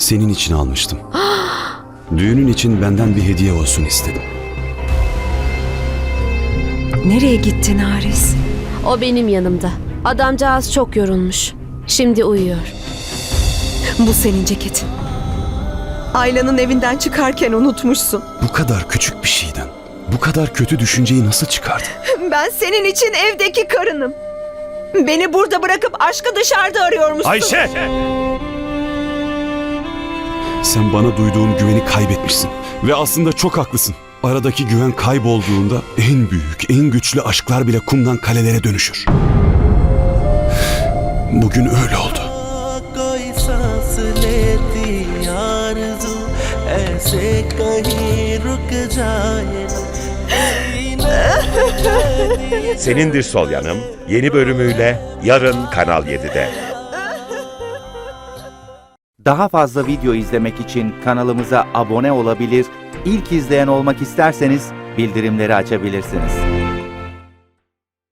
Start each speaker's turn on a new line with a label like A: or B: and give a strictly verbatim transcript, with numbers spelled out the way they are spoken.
A: Senin için almıştım. Düğünün için benden bir hediye olsun istedim.
B: Nereye gittin Haris?
C: O benim yanımda. Adamcağız çok yorulmuş. Şimdi uyuyor.
B: Bu senin ceketin. Ayla'nın evinden çıkarken unutmuşsun.
A: Bu kadar küçük bir şeyden bu kadar kötü düşünceyi nasıl çıkardın?
B: Ben senin için evdeki karınım. Beni burada bırakıp aşkı dışarıda arıyormuşsun.
D: Ayşe!
A: Sen bana duyduğun güveni kaybetmişsin. Ve aslında çok haklısın. Aradaki güven kaybolduğunda en büyük, en güçlü aşklar bile kumdan kalelere dönüşür. Bugün öyle oldu.
D: Senindir Sol Yanım yeni bölümüyle yarın Kanal yedide.
E: Daha fazla video izlemek için kanalımıza abone olabilir, ilk izleyen olmak isterseniz bildirimleri açabilirsiniz.